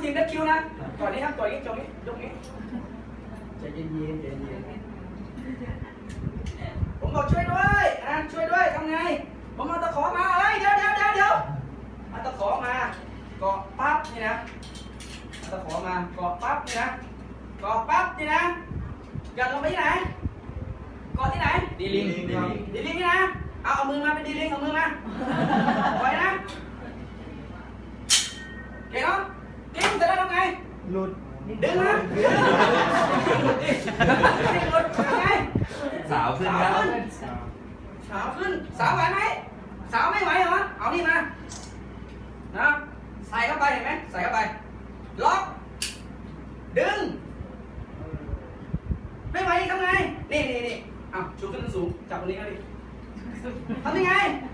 ทีมดัชคิวนะก่อนนี้ครับก่อนนี้จงนี้ยกนี้ใจเย็นใจเย็นผมบอกช่วยด้วยช่วยด้วยทำไงผมเอาตะขอมาเฮ้ยเดี๋ยวเอาตะขอมาเกาะปั๊บนี่นะเอาตะขอมาเกาะปั๊บนี่นะเกาะปั๊บนี่นะหย่อนลงไปที่ไหนเกาะที่ไหนดีลิงนี่นะเอามือมาเป็นดีลิงเอามือมาปล่อยนะเก่งเนาะเก่งเสร็จแล้วทำไงหลุดดึงนะหลุดทำไงสาวขึ้นครับสาวขึ้นสาวไหวไหมสาวไม่ไหวเหรอเอานี่มานะใส่เข้าไปเห็นไหมใส่เข้าไปล็อกดึงไม่ไหวทำไงนี่เอาชูขึ้นสูงจับตรงนี้ก็ดิทำยังไง